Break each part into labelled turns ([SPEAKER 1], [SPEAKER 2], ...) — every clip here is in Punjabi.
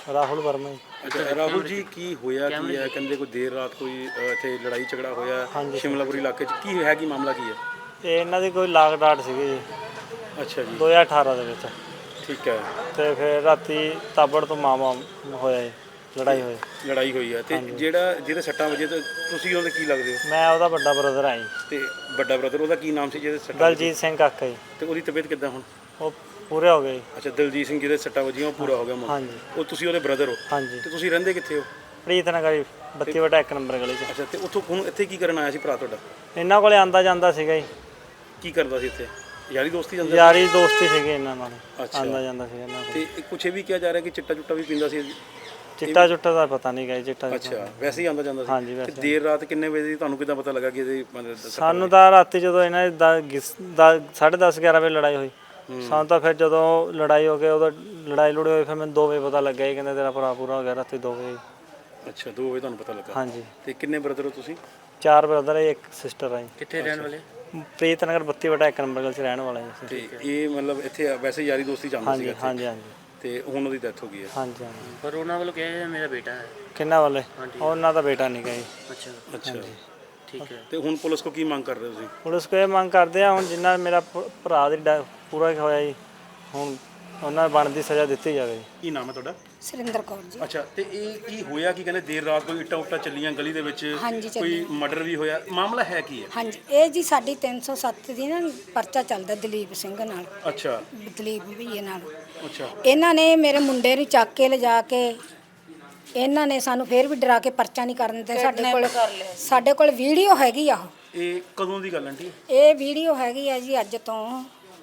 [SPEAKER 1] ਰਾਹੁਲ ਵਰਮਾ ਜੀ।
[SPEAKER 2] ਅੱਛਾ ਰਾਹੁਲ ਜੀ, ਕੀ ਹੋਇਆ ਕੀ ਹੈ? ਕਹਿੰਦੇ ਕੋਈ ਦੇਰ ਰਾਤ ਕੋਈ ਇੱਥੇ ਲੜਾਈ ਝਗੜਾ ਹੋਇਆ ਸ਼ਿਮਲਾਪੁਰੀ ਇਲਾਕੇ 'ਚ, ਕੀ ਹੈ, ਕੀ ਮਾਮਲਾ ਕੀ ਹੈ?
[SPEAKER 1] ਇਹ ਇਹਨਾਂ ਦੀ ਕੋਈ ਲਾਗ ਡਾਟ ਸੀਗੀ ਜੀ
[SPEAKER 2] ਅੱਛਾ ਜੀ,
[SPEAKER 1] 2018 ਦੇ ਵਿੱਚ।
[SPEAKER 2] ਠੀਕ ਹੈ।
[SPEAKER 1] ਤੇ ਫਿਰ ਰਾਤੀ ਤਾਬੜ ਤੋਂ ਮਾਮਾ ਹੋਇਆ ਜੀ, ਲੜਾਈ ਹੋਈ
[SPEAKER 2] ਹੈ। ਤੇ ਜਿਹਦੇ ਸੱਟਾਂ ਵਜੇ ਤੇ ਤੁਸੀਂ ਉਹਦੇ ਕੀ ਲੱਗਦੇ ਹੋ?
[SPEAKER 1] ਮੈਂ ਉਹਦਾ ਵੱਡਾ ਬ੍ਰਦਰ ਆ ਜੀ।
[SPEAKER 2] ਤੇ ਵੱਡਾ ਬ੍ਰਦਰ, ਉਹਦਾ ਕੀ ਨਾਮ ਸੀ ਜਿਹਦੇ ਸੱਟਾਂ?
[SPEAKER 1] ਦਲਜੀਤ ਸਿੰਘ ਕਾਕਾ ਜੀ।
[SPEAKER 2] ਤੇ ਉਹਦੀ ਤਬੀਅਤ ਕਿੱਦਾਂ ਹੁਣ?
[SPEAKER 1] ਉਹ ਪੂਰੇ ਹੋ ਗਏ।
[SPEAKER 2] ਅੱਛਾ, ਦਲਜੀਤ ਸਿੰਘ ਜਿਹਦੇ ਸੱਟਾਂ ਵਜੀਆਂ ਉਹ ਪੂਰਾ ਹੋ ਗਿਆ ਹੁਣ?
[SPEAKER 1] ਹਾਂਜੀ।
[SPEAKER 2] ਉਹ ਤੁਸੀਂ ਉਹਦੇ ਬ੍ਰਦਰ ਹੋ?
[SPEAKER 1] ਹਾਂਜੀ।
[SPEAKER 2] ਤੇ ਤੁਸੀਂ ਰਹਿੰਦੇ ਕਿੱਥੇ ਹੋ?
[SPEAKER 1] ਪ੍ਰੀਤ ਨਗਰ 32/1 ਨੰਬਰ ਗਲੀ 'ਚ।
[SPEAKER 2] ਅੱਛਾ, ਤੇ ਉੱਥੋਂ ਹੁਣ ਇੱਥੇ ਕੀ ਕਰਨ ਆਇਆ ਸੀ ਭਰਾ ਤੁਹਾਡਾ?
[SPEAKER 1] ਇਹਨਾਂ ਕੋਲੇ ਆਂਦਾ ਜਾਂਦਾ ਸੀਗਾ ਜੀ।
[SPEAKER 2] ਕੀ ਕਰਦਾ ਸੀ ਇੱਥੇ? ਯਾਰੀ ਦੋਸਤੀ ਜਾਂਦਾ?
[SPEAKER 1] ਯਾਰੀ ਦੋਸਤੀ ਸੀਗੀ ਇਹਨਾਂ ਨਾਲ,
[SPEAKER 2] ਅੱਛਾ।
[SPEAKER 1] ਆਂਦਾ ਜਾਂਦਾ ਸੀਗਾ ਇਹਨਾਂ ਕੋਲ।
[SPEAKER 2] ਤੇ ਕੁਛ ਇਹ ਵੀ ਕਿਹਾ ਜਾ ਰਿਹਾ ਕਿ ਚਿੱਟਾ ਚੁੱਟਾ ਵੀ ਪੀਂਦਾ ਸੀ?
[SPEAKER 1] ਚਿੱਟਾ ਚੁੱਟਾ ਦਾ ਪਤਾ ਨਹੀਂ ਗਾ ਜੀ। ਚਿੱਟਾ
[SPEAKER 2] ਅੱਛਾ, ਵੈਸੇ ਹੀ ਆਂਦਾ ਜਾਂਦਾ ਸੀ?
[SPEAKER 1] ਹਾਂਜੀ,
[SPEAKER 2] ਤੇ
[SPEAKER 1] ਵੈਸੇ।
[SPEAKER 2] ਦੇਰ ਰਾਤ ਕਿੰਨੇ ਵਜੇ ਦੀ ਤੁਹਾਨੂੰ ਕਿੱਦਾਂ ਪਤਾ ਲੱਗਾ ਕਿ ਇਹਦੇ
[SPEAKER 1] ਸਾਨੂੰ ਤਾਂ ਰਾਤੀ ਜਦੋਂ ਇਹਨਾਂ ਦੀ 10:30 11 ਵਜੇ ਲੜਾਈ ਹੋਈ, ਸਾਨੂੰ ਤਾਂ ਫਿਰ ਜਦੋਂ ਲੜਾਈ ਹੋ ਗਈ ਉਦੋਂ ਲੜਾਈ ਲੁੜੀ ਹੋਈ, ਫਿਰ ਮੈਨੂੰ 2 ਵਜੇ ਪਤਾ ਲੱਗਿਆ ਜੀ, ਕਹਿੰਦੇ ਤੇਰਾ ਭਰਾ ਪੂਰਾ ਹੋ ਗਿਆ ਰਾਤੀ 2 ਵਜੇ।
[SPEAKER 2] ਅੱਛਾ, 2 ਵਜੇ ਤੁਹਾਨੂੰ ਪਤਾ ਲੱਗਾ?
[SPEAKER 1] ਹਾਂਜੀ।
[SPEAKER 2] ਤੇ ਕਿੰਨੇ ਬ੍ਰਦਰ ਹੋ ਤੁਸੀਂ?
[SPEAKER 1] 4 ਬ੍ਰਦਰ ਹੈ, 1 ਸਿਸਟਰ ਹੈ।
[SPEAKER 2] ਕਿੱਥੇ ਰਹਿਣ ਵਾਲੇ?
[SPEAKER 1] ਪ੍ਰੀਤ ਨਗਰ 32/1 ਨੰਬਰ ਗਲੀ 'ਚ ਰਹਿਣ ਵਾਲਾ ਜੀ।
[SPEAKER 2] ਤੇ ਇਹ ਮਤਲਬ ਇੱਥੇ ਵੈਸੇ ਯਾਰੀ ਦੋਸਤੀ ਚੱਲਦੀ ਸੀ?
[SPEAKER 1] ਹਾਂਜੀ ਹਾਂਜੀ।
[SPEAKER 2] ਤੇ ਹੁਣ ਉਹਦੀ ਡੈਥ ਹੋ ਗਈ ਹੈ?
[SPEAKER 1] ਹਾਂਜੀ ਹਾਂਜੀ।
[SPEAKER 3] ਪਰ ਉਹਨਾਂ ਵੱਲੋਂ ਕਿਹਾ ਜਾਂਦਾ ਮੇਰਾ ਬੇਟਾ ਹੈ।
[SPEAKER 1] ਕਿੰਨਾ ਵਾਲੇ? ਉਹਨਾਂ ਦਾ ਬੇਟਾ ਨਹੀਂ ਗਾ ਜੀ।
[SPEAKER 3] ਅੱਛਾ
[SPEAKER 2] ਅੱਛਾ,
[SPEAKER 3] ਠੀਕ ਹੈ।
[SPEAKER 2] ਤੇ ਹੁਣ ਪੁਲਿਸ ਕੋ ਕੀ ਮੰਗ ਕਰ ਰਹੇ ਹੋ ਤੁਸੀਂ?
[SPEAKER 1] ਪੁਲਿਸ ਕੋਲ ਇਹ ਮੰਗ ਕਰਦੇ ਆ ਹੁਣ ਜਿੰਨਾ ਮੇਰਾ ਭਰਾ ਦੀ ਪੂਰਾ ਹੋਇਆ ਜੀ, ਹੁਣ ਉਹਨਾਂ ਬਣਦੀ ਸਜ਼ਾ ਦਿੱਤੀ ਜਾਵੇ।
[SPEAKER 2] ਕੀ ਨਾਮ ਹੈ ਤੁਹਾਡਾ?
[SPEAKER 4] ਸੁਰਿੰਦਰ ਕੌਰ ਜੀ।
[SPEAKER 2] ਅੱਛਾ, ਤੇ ਇਹ ਕੀ ਹੋਇਆ? ਕੀ ਕਹਿੰਦੇ ਦੇਰ ਰਾਤ ਕੋਈ ਇੱਟਾਂ ਉੱਟਾਂ ਚੱਲੀਆਂ ਗਲੀ ਦੇ ਵਿੱਚ, ਕੋਈ ਮਰਡਰ ਵੀ ਹੋਇਆ, ਮਾਮਲਾ ਹੈ ਕੀ ਹੈ?
[SPEAKER 4] ਹਾਂਜੀ, ਇਹ ਜੀ ਸਾਡੀ 307 ਦੀ ਨਾ ਪਰਚਾ ਚੱਲਦਾ ਦਲੀਪ ਸਿੰਘ ਨਾਲ।
[SPEAKER 2] ਅੱਛਾ।
[SPEAKER 4] ਦਲੀਪ ਭਈਏ ਨਾਲ।
[SPEAKER 2] ਅੱਛਾ।
[SPEAKER 4] ਇਹਨਾਂ ਨੇ ਮੇਰੇ ਮੁੰਡੇ ਨੂੰ ਚੱਕ ਕੇ ਲਿਜਾ ਕੇ ਇਹਨਾਂ ਨੇ ਸਾਨੂੰ ਫੇਰ ਵੀ ਡਰਾ ਕੇ ਪਰਚਾ ਨਹੀਂ ਕਰਨ ਦਿੱਤਾ। ਸਾਡੇ ਕੋਲ ਵੀਡੀਓ ਹੈਗੀ ਆ।
[SPEAKER 2] ਇਹ ਕਦੋਂ ਦੀ ਗੱਲ ਆਂਟੀ?
[SPEAKER 4] ਇਹ ਵੀਡੀਓ ਹੈਗੀ ਆ ਜੀ ਅੱਜ ਤੋਂ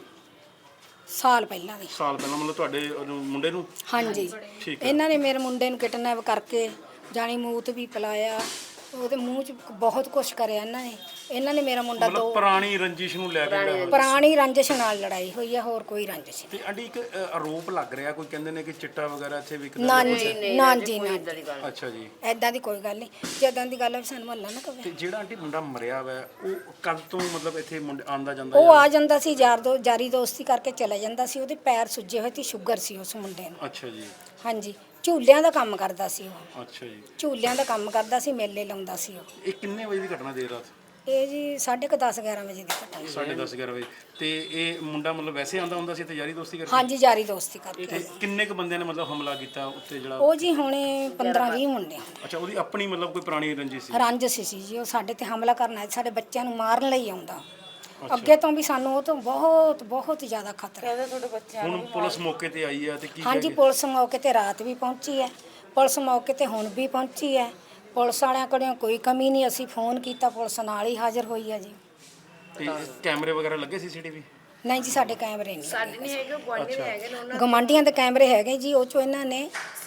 [SPEAKER 4] ਸਾਲ ਪਹਿਲਾਂ ਦੀ।
[SPEAKER 2] ਸਾਲ ਪਹਿਲਾਂ, ਮਤਲਬ ਤੁਹਾਡੇ ਮੁੰਡੇ ਨੂੰ?
[SPEAKER 4] ਹਾਂਜੀ।
[SPEAKER 2] ਠੀਕ ਹੈ।
[SPEAKER 4] ਇਹਨਾਂ ਨੇ ਮੇਰੇ ਮੁੰਡੇ ਨੂੰ ਕਿਡਨੈਪ ਕਰਕੇ ਜਾਣੀ ਮੂਤ ਵੀ ਪਿਲਾਇਆ, ਉਹਦੇ ਮੂੰਹ 'ਚ ਬਹੁਤ ਕੁਛ ਕਰਿਆ ਇਹਨਾਂ ਨੇ ਮੇਰਾ ਮੁੰਡਾ
[SPEAKER 2] ਮਤਲਬ ਪੁਰਾਣੀ ਰੰਜਿਸ਼ ਨੂੰ ਲੈ ਕੇ?
[SPEAKER 4] ਪੁਰਾਣੀ ਰੰਜਿਸ਼ ਨਾਲ ਲੜਾਈ ਹੋਈ ਹੈ, ਹੋਰ ਕੋਈ ਰੰਜਿਸ਼
[SPEAKER 2] ਤੇ ਆਂਟੀ ਇੱਕ ਆਰੋਪ ਲੱਗ ਰਿਹਾ, ਕੋਈ ਕਹਿੰਦੇ ਨੇ ਕਿ ਚਿੱਟਾ ਵਗੈਰਾ ਇੱਥੇ ਵਿਕਦਾ?
[SPEAKER 4] ਨਾ ਜੀ, ਨਾ ਜੀ, ਨਾ।
[SPEAKER 2] ਅੱਛਾ ਜੀ।
[SPEAKER 4] ਐਦਾਂ ਦੀ ਕੋਈ ਗੱਲ ਨਹੀਂ, ਜਦੋਂ ਦੀ ਗੱਲ ਹੈ ਸਾਨੂੰ ਮਹੱਲਾ ਨਾ ਕਵੇ।
[SPEAKER 2] ਤੇ ਜਿਹੜਾ ਆਂਟੀ ਮੁੰਡਾ ਮਰਿਆ ਵਾ ਉਹ ਕਦ ਤੋਂ ਮਤਲਬ ਇੱਥੇ ਆਂਦਾ ਜਾਂਦਾ?
[SPEAKER 4] ਉਹ ਆ ਜਾਂਦਾ ਸੀ ਯਾਰੀ ਦੋਸਤੀ ਕਰਕੇ ਚਲਾ ਜਾਂਦਾ ਸੀ। ਉਹਦੇ ਪੈਰ ਸੁੱਜੇ ਹੋਏ ਤੇ ਸ਼ੂਗਰ ਸੀ ਉਸ ਮੁੰਡੇ ਨੂੰ।
[SPEAKER 2] ਅੱਛਾ ਜੀ।
[SPEAKER 4] ਹਾਂਜੀ, ਝੂਲਿਆਂ ਦਾ ਕੰਮ ਕਰਦਾ ਸੀ ਉਹ।
[SPEAKER 2] ਅੱਛਾ ਜੀ।
[SPEAKER 4] ਝੂਲਿਆਂ ਦਾ ਕੰਮ ਕਰਦਾ ਸੀ, ਮੇਲੇ ਲਾਉਂਦਾ ਸੀ ਉਹ।
[SPEAKER 2] ਇਹ ਕਿੰਨੇ ਵਜੇ ਦੀ ਘਟਨਾ ਦੇਰ ਰਾਤ?
[SPEAKER 4] ਇਹ ਜੀ 10:30 11 ਵਜੇ ਦੀ ਘਟਨਾ।
[SPEAKER 2] 10:30 11 ਵਜੇ। ਤੇ ਇਹ ਮੁੰਡਾ ਮਤਲਬ ਵੈਸੇ ਆਂਦਾ ਹੁੰਦਾ ਸੀ ਤੇ ਯਾਰੀ ਦੋਸਤੀ ਕਰਕੇ?
[SPEAKER 4] ਹਾਂਜੀ, ਯਾਰੀ ਦੋਸਤੀ ਕਰਕੇ।
[SPEAKER 2] ਤੇ ਕਿੰਨੇ ਕੁ ਬੰਦਿਆਂ ਨੇ ਮਤਲਬ ਹਮਲਾ ਕੀਤਾ ਉੱਤੇ ਜਿਹੜਾ?
[SPEAKER 4] ਉਹ ਜੀ ਹੁਣੇ 15-20 ਮੁੰਡੇ।
[SPEAKER 2] ਅੱਛਾ, ਉਹਦੀ ਆਪਣੀ ਮਤਲਬ ਕੋਈ ਪੁਰਾਣੀ ਰੰਜਿਸ਼ ਸੀ?
[SPEAKER 4] ਰੰਜਿਸ਼ ਸੀ ਜੀ, ਉਹ ਸਾਡੇ ਤੇ ਹਮਲਾ ਕਰਨ ਆਇਆ, ਸਾਡੇ ਬੱਚਿਆਂ ਨੂੰ ਮਾਰਨ ਲਈ ਆਉਂਦਾ। ਅੱਗੇ ਤੋਂ ਵੀ ਸਾਨੂੰ ਉਹ ਤੋਂ ਬਹੁਤ ਜ਼ਿਆਦਾ ਖਤਰਾ।
[SPEAKER 2] ਹੁਣ ਪੁਲਿਸ ਮੌਕੇ ਤੇ ਆਈ ਹੈ ਤੇ ਕੀ?
[SPEAKER 4] ਹਾਂਜੀ, ਪੁਲਿਸ ਮੌਕੇ ਤੇ ਰਾਤ ਵੀ ਪਹੁੰਚੀ ਹੈ, ਪੁਲਿਸ ਮੌਕੇ ਤੇ ਹੁਣ ਵੀ ਪਹੁੰਚੀ ਹੈ। ਪੁਲਿਸ ਵਾਲਿਆਂ ਕੋਲੋਂ ਕੋਈ ਕਮੀ ਨਹੀਂ, ਅਸੀਂ ਫੋਨ ਕੀਤਾ, ਪੁਲਿਸ ਨਾਲ ਹੀ ਹਾਜ਼ਰ ਹੋਈ ਹੈ ਜੀ।
[SPEAKER 2] ਤੇ ਕੈਮਰੇ ਵਗੈਰਾ ਲੱਗੇ ਸੀਸੀਟੀਵੀ?
[SPEAKER 4] ਨਹੀਂ ਜੀ, ਸਾਡੇ ਕੈਮਰੇ ਨਹੀਂ। ਸਾਡੇ ਨਹੀਂ ਹੈਗੇ, ਗੁਆਂਢੀ ਦੇ ਹੈਗੇ ਨੇ। ਗਵਾਂਢੀਆਂ ਦੇ ਕੈਮਰੇ ਹੈਗੇ ਜੀ, ਉਹ ਚੋਂ ਇਹਨਾਂ ਨੇ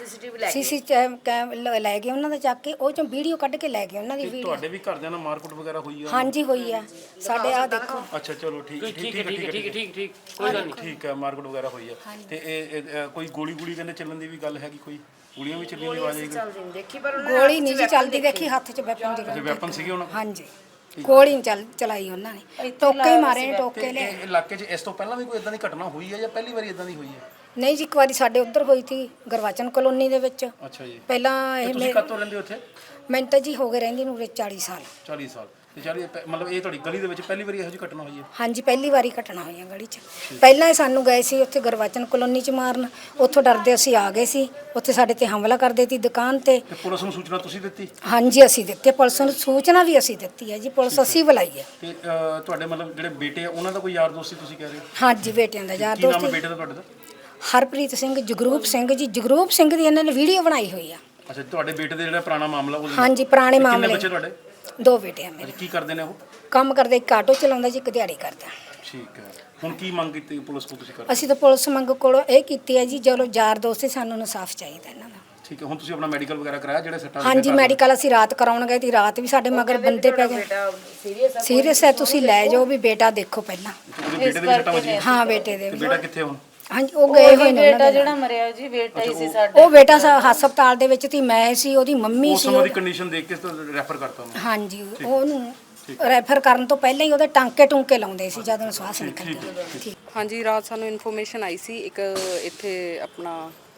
[SPEAKER 4] ਸੀਸੀਟੀਵੀ ਲੈ ਗਏ ਉਹਨਾਂ ਦਾ ਚੱਕ ਕੇ, ਉਹ ਚੋਂ ਵੀਡੀਓ ਕੱਢ ਕੇ ਲੈ ਗਏ ਉਹਨਾਂ ਦੀ ਵੀਡੀਓ।
[SPEAKER 2] ਤੁਹਾਡੇ ਵੀ ਘਰਦਿਆਂ ਨਾਲ ਮਾਰਕੁੱਟ ਵਗੈਰਾ ਹੋਈ ਆ?
[SPEAKER 4] ਹਾਂਜੀ, ਹੋਈ ਆ ਸਾਡੇ। ਆ ਦੇਖੋ।
[SPEAKER 2] ਅੱਛਾ, ਚਲੋ ਠੀਕ
[SPEAKER 3] ਠੀਕ ਕੋਈ ਗੱਲ ਨਹੀਂ।
[SPEAKER 2] ਠੀਕ ਹੈ, ਮਾਰਕੁੱਟ ਵਗੈਰਾ ਹੋਈ ਆ। ਤੇ ਇਹ ਕੋਈ ਗੋਲੀ ਕਹਿੰਦੇ ਚੱਲਣ ਦੀ ਵੀ ਗੱਲ ਹੈਗੀ? ਕੋਈ ਗੋਲੀਆਂ ਵੀ ਚੱਲਣ ਦੀ ਆਵਾਜ਼ ਆਈ?
[SPEAKER 4] ਗੋਲੀ ਨਹੀਂ ਜੀ ਚੱਲਦੀ ਦੇਖੀ, ਹੱਥ 'ਚ ਵੈਪਨ
[SPEAKER 2] ਅੱਛਾ, ਵੈਪਨ ਸੀਗੇ ਉਹਨਾਂ?
[SPEAKER 4] ਹਾਂਜੀ, ਗੋਲੀ ਚਲਾਈ ਉਹਨਾਂ ਨੇ, ਟੋਕੇ ਹੀ ਮਾਰੇ ਨੇ, ਟੋਕੇ ਲੈ।
[SPEAKER 2] ਇਲਾਕੇ 'ਚ ਇਸ ਤੋਂ ਪਹਿਲਾਂ ਵੀ ਕੋਈ ਇਦਾਂ ਦੀ ਘਟਨਾ ਹੋਈ ਹੈ ਜਾਂ ਪਹਿਲੀ ਵਾਰੀ ਇਦਾਂ ਦੀ ਹੋਈ ਹੈ?
[SPEAKER 4] ਨਹੀਂ ਜੀ, ਇੱਕ ਵਾਰੀ ਸਾਡੇ ਉੱਧਰ ਹੋਈ ਸੀ ਗੁਰਵਾਚਨ ਕਲੋਨੀ ਦੇ ਵਿੱਚ।
[SPEAKER 2] ਅੱਛਾ ਜੀ।
[SPEAKER 4] ਪਹਿਲਾਂ ਇਹ
[SPEAKER 2] ਤੁਸੀਂ ਕਦ ਤੋਂ ਰਹਿੰਦੇ ਹੋ ਉੱਥੇ?
[SPEAKER 4] ਮੈਨੂੰ ਤਾਂ ਜੀ ਹੋ ਗਏ ਰਹਿੰਦੀ ਨੂੰ 40 ਸਾਲ।
[SPEAKER 2] 40 ਸਾਲ। ਤੇ ਮਤਲਬ ਇਹ ਤੁਹਾਡੀ ਗਲੀ ਦੇ ਵਿੱਚ ਪਹਿਲੀ ਵਾਰੀ ਇਹੋ ਜਿਹੀ ਘਟਨਾ ਹੋਈ ਹੈ?
[SPEAKER 4] ਹਾਂਜੀ, ਪਹਿਲੀ ਵਾਰੀ ਘਟਨਾ ਹੋਈ ਹੈ ਗਲੀ 'ਚ। ਪਹਿਲਾਂ ਇਹ ਸਾਨੂੰ ਗਏ ਸੀ ਉੱਥੇ ਗੁਰਵਾਚਨ ਕਲੋਨੀ 'ਚ ਮਾਰਨ, ਉੱਥੋਂ ਡਰਦੇ ਅਸੀਂ ਆ ਗਏ ਸੀ, ਉੱਥੇ ਸਾਡੇ ਤੇ ਹਮਲਾ ਕਰਦੇ ਸੀ ਦੁਕਾਨ ਤੇ।
[SPEAKER 2] ਤੇ ਪੁਲਿਸ ਨੂੰ ਸੂਚਨਾ ਤੁਸੀਂ ਦਿੱਤੀ?
[SPEAKER 4] ਹਾਂਜੀ, ਅਸੀਂ ਦਿੱਤੀ, ਪੁਲਿਸ ਨੂੰ ਸੂਚਨਾ ਵੀ ਅਸੀਂ ਦਿੱਤੀ ਹੈ ਜੀ, ਪੁਲਿਸ ਅਸੀਂ ਬੁਲਾਈ ਹੈ।
[SPEAKER 2] ਤੇ ਤੁਹਾਡੇ ਮਤਲਬ ਜਿਹੜੇ ਬੇਟੇ ਆ ਉਹਨਾਂ ਦਾ ਕੋਈ ਯਾਰ ਦੋਸਤੀ ਤੁਸੀਂ ਕਹਿ ਰਹੇ ਹੋ?
[SPEAKER 4] ਹਾਂਜੀ, ਬੇਟਿਆਂ ਦਾ ਯਾਰ
[SPEAKER 2] ਕੀ ਨਾਮ ਹੈ
[SPEAKER 4] ਦੋਸਤ।
[SPEAKER 2] ਬੇਟੇ ਦਾ ਤੁਹਾਡੇ ਦਾ?
[SPEAKER 4] ਹਰਪ੍ਰੀਤ ਸਿੰਘ, ਜਗਰੂਪ ਸਿੰਘ ਜੀ। ਜਗਰੂਪ ਸਿੰਘ ਦੀ ਇਹਨਾਂ ਨੇ ਵੀਡੀਓ ਬਣਾਈ ਹੋਈ ਆ।
[SPEAKER 2] ਅੱਛਾ, ਤੁਹਾਡੇ ਬੇਟੇ ਦਾ ਜਿਹੜਾ ਪੁਰਾਣਾ ਮਾਮਲਾ ਉਹ?
[SPEAKER 4] ਹਾਂਜੀ, ਪੁਰਾਣੇ ਮਾਮਲੇ।
[SPEAKER 2] ਕਿੰਨੇ ਬੱਚੇ ਤੁਹਾਡੇ?
[SPEAKER 4] 2 ਬੇਟੇ ਆ ਮੇਰੇ।
[SPEAKER 2] ਕੀ ਕਰਦੇ ਨੇ ਉਹ?
[SPEAKER 4] ਕੰਮ ਕਰਦੇ, ਇੱਕ ਆਟੋ ਚਲਾਉਂਦਾ ਜੀ, ਇੱਕ ਦਿਹਾੜੀ ਕਰਦਾ।
[SPEAKER 2] ਠੀਕ ਹੈ। ਹੁਣ ਕੀ ਮੰਗ ਕੀਤੀ ਪੁਲਿਸ ਕੋਲ ਤੁਸੀਂ ਕਰਦੇ?
[SPEAKER 4] ਅਸੀਂ ਤਾਂ ਪੁਲਿਸ ਮੰਗ ਕੋਲੋਂ ਇਹ ਕੀਤੀ ਹੈ ਜੀ, ਚਲੋ ਯਾਰ ਦੋਸਤ ਸਾਨੂੰ ਇਨਸਾਫ ਚਾਹੀਦਾ ਇਹਨਾਂ ਦਾ।
[SPEAKER 2] ਠੀਕ ਹੈ। ਹੁਣ ਤੁਸੀਂ ਆਪਣਾ ਮੈਡੀਕਲ ਵਗੈਰਾ ਕਰਾਇਆ ਜਿਹੜੇ ਸੱਟਾਂ?
[SPEAKER 4] ਹਾਂਜੀ, ਮੈਡੀਕਲ ਅਸੀਂ ਰਾਤ ਕਰਾਉਣ ਗਏ ਤੇ ਰਾਤ ਵੀ ਸਾਡੇ ਮਗਰ ਬੰਦੇ ਪੈ ਗਏ। ਸੀਰੀਅਸ ਹੈ, ਤੁਸੀਂ ਲੈ ਜਾਓ ਵੀ ਬੇਟਾ ਦੇਖੋ ਪਹਿਲਾਂ।
[SPEAKER 2] ਉਹਦੇ ਬੇਟੇ ਦੇ ਸੱਟਾਂ ਵੱਜੀਆਂ?
[SPEAKER 4] ਹਾਂ, ਬੇਟੇ ਦੇ।
[SPEAKER 2] ਬੇਟਾ ਕਿੱਥੇ ਹੁਣ?
[SPEAKER 4] ਹਾਂਜੀ, ਉਹ ਗਏ ਹੋਏ ਨੇ।
[SPEAKER 3] ਬੇਟਾ ਜਿਹੜਾ ਮਰਿਆ ਜੀ, ਬੇਟਾ ਹੀ ਸੀ ਸਾਡਾ।
[SPEAKER 4] ਉਹ ਬੇਟਾ ਹਸਪਤਾਲ ਦੇ ਵਿੱਚ ਸੀ, ਮੈਂ ਸੀ, ਉਹਦੀ ਮੰਮੀ
[SPEAKER 2] ਉਸ
[SPEAKER 4] ਸੀ।
[SPEAKER 2] ਸਮੇਂ ਦੀ ਕੰਡੀਸ਼ਨ ਦੇਖ ਕੇ ਰੈਫਰ ਕਰਤਾ ਉਹਨੂੰ?
[SPEAKER 4] ਹਾਂਜੀ, ਉਹਨੂੰ ਰੈਫਰ ਕਰਨ ਤੋਂ ਪਹਿਲਾਂ ਹੀ ਉਹਦੇ ਟਾਂਕੇ ਲਾਉਂਦੇ ਸੀ ਜਦੋਂ ਸਵਾਸ ਨਿਕਲਦੀ।
[SPEAKER 5] ਹਾਂਜੀ, ਰਾਤ ਸਾਨੂੰ ਇਨਫੋਰਮੇਸ਼ਨ ਆਈ ਸੀ ਇੱਕ ਇੱਥੇ ਆਪਣਾ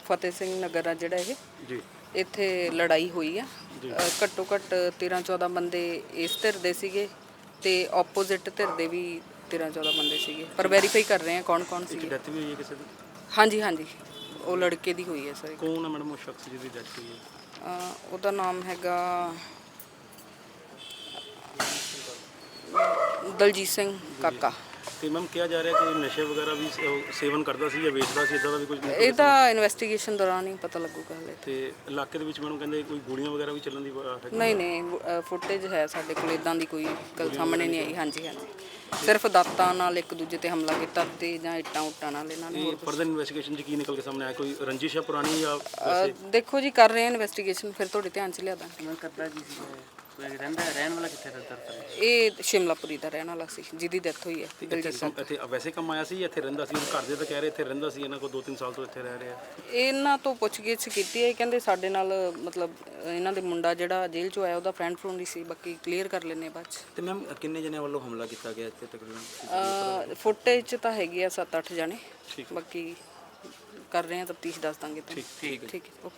[SPEAKER 5] ਫਤਿਹ ਸਿੰਘ ਨਗਰ ਆ ਜਿਹੜਾ ਇਹ,
[SPEAKER 2] ਜੀ
[SPEAKER 5] ਇੱਥੇ ਲੜਾਈ ਹੋਈ ਆ। ਘੱਟੋ ਘੱਟ 13-14 ਬੰਦੇ ਇਸ ਧਿਰ ਦੇ ਸੀਗੇ ਤੇ ਆਪੋਜ਼ਿਟ ਧਿਰ ਦੇ ਵੀ 13-14 ਬੰਦੇ ਸੀਗੇ, ਪਰ ਵੈਰੀਫਾਈ ਕਰ ਰਹੇ ਆ ਕੌਣ ਕੌਣ ਸੀਗੇ।
[SPEAKER 2] ਡੈਥ ਵੀ ਹੋਈ ਹੈ ਕਿਸੇ ਦੀ?
[SPEAKER 5] ਹਾਂਜੀ ਹਾਂਜੀ, ਉਹ ਲੜਕੇ ਦੀ ਹੋਈ ਹੈ ਸਰ।
[SPEAKER 2] ਕੌਣ ਹੈ ਮੈਡਮ ਉਹ ਸ਼ਖਸ ਜਿਹਦੀ ਡੈਥ ਹੋਈ ਹੈ?
[SPEAKER 5] ਉਹਦਾ ਨਾਮ ਹੈਗਾ ਦਲਜੀਤ ਸਿੰਘ ਕਾਕਾ।
[SPEAKER 2] ਤੇ ਮੈਮ ਕਿਹਾ ਜਾ ਰਿਹਾ ਕਿ ਨਸ਼ੇ ਵਗੈਰਾ ਵੀ ਸੇਵਨ ਕਰਦਾ ਸੀ ਜਾਂ ਵੇਚਦਾ ਸੀ, ਇਦਾਂ ਦਾ ਵੀ ਕੁਝ?
[SPEAKER 5] ਇਹਦਾ ਇਨਵੈਸਟੀਗੇਸ਼ਨ ਦੌਰਾਨ ਹੀ ਪਤਾ ਲੱਗੂਗਾ ਹਲੇ।
[SPEAKER 2] ਤੇ ਇਲਾਕੇ ਦੇ ਵਿੱਚ ਮੈਨੂੰ ਕਹਿੰਦੇ ਕੋਈ ਗੋਲੀਆਂ ਵਗੈਰਾ ਵੀ ਚੱਲਣ ਦੀ
[SPEAKER 5] ਨਹੀਂ ਨਹੀਂ, ਫੁਟੇਜ ਹੈ ਸਾਡੇ ਕੋਲ, ਇਦਾਂ ਦੀ ਕੋਈ ਗੱਲ ਸਾਹਮਣੇ ਨਹੀਂ ਆਈ। ਹਾਂਜੀ ਹਾਂਜੀ, ਸਿਰਫ ਦਾਤਾਂ ਨਾਲ ਇੱਕ ਦੂਜੇ ਤੇ ਹਮਲਾ ਕੀਤਾ ਤੇ ਜਾਂ ਇੱਟਾਂ ਉੱਟਾਂ ਨਾਲ ਇਹਨਾਂ ਨੇ।
[SPEAKER 2] ਫਰਦਰ ਇਨਵੈਸਟੀਗੇਸ਼ਨ 'ਚ ਕੀ ਨਿਕਲ ਕੇ ਸਾਹਮਣੇ ਆਇਆ? ਕੋਈ ਰੰਜਿਸ਼ ਹੈ ਪੁਰਾਣੀ ਜਾਂ
[SPEAKER 5] ਦੇਖੋ ਜੀ, ਕਰ ਰਹੇ ਆ ਇਨਵੈਸਟੀਗੇਸ਼ਨ, ਫਿਰ ਤੁਹਾਡੇ ਧਿਆਨ 'ਚ ਲਿਆ ਦਾਂਗੇ।
[SPEAKER 3] ਮੈਂ ਕਰਦਾ ਕੀ ਸੀ? ਕੋਈ ਰਹਿਣ ਵਾਲਾ ਕਿੱਥੇ ਦਾ ਦਰਦ?
[SPEAKER 5] ਇਹ ਸ਼ਿਮਲਾਪੁਰੀ ਦਾ ਰਹਿਣ ਵਾਲਾ ਸੀ ਜਿਹਦੀ ਡੈਥ ਹੋਈ ਹੈ।
[SPEAKER 2] ਇੱਥੇ ਵੈਸੇ ਕੰਮ ਆਇਆ ਸੀ, ਇੱਥੇ ਰਹਿੰਦਾ ਸੀ? ਘਰ ਦੇ ਤਾਂ ਕਹਿ ਰਹੇ ਇੱਥੇ ਰਹਿੰਦਾ ਸੀ, ਇਹਨਾਂ ਕੋਲ 2-3 ਸਾਲ ਤੋਂ ਇੱਥੇ ਰਹਿ ਰਿਹਾ।
[SPEAKER 5] ਇਹਨਾਂ ਤੋਂ ਪੁੱਛਗਿੱਛ ਕੀਤੀ ਹੈ, ਕਹਿੰਦੇ ਸਾਡੇ ਨਾਲ ਮਤਲਬ ਇਹਨਾਂ ਦੇ ਮੁੰਡਾ ਜਿਹੜਾ ਜੇਲ੍ਹ 'ਚੋਂ ਆਇਆ ਉਹਦਾ ਫਰੈਂਡ ਫਰੂੰਡ ਹੀ ਸੀ, ਬਾਕੀ ਕਲੀਅਰ ਕਰ ਲੈਂਦੇ ਬਾਅਦ 'ਚ।
[SPEAKER 2] ਤੇ ਮੈਮ ਕਿੰਨੇ ਜਣਿਆਂ ਵੱਲੋਂ ਹਮਲਾ ਕੀਤਾ ਗਿਆ ਇੱਥੇ ਤਕਰੀਬਨ?
[SPEAKER 5] ਫੁਟੇਜ 'ਚ ਤਾਂ ਹੈਗੇ ਆ 7-8 ਜਣੇ, ਬਾਕੀ ਕਰ ਰਹੇ ਆ ਤਫਤੀਸ਼, ਦੱਸ ਦਾਂਗੇ ਤੁਹਾਨੂੰ। ਠੀਕ ਹੈ ਓਕੇ।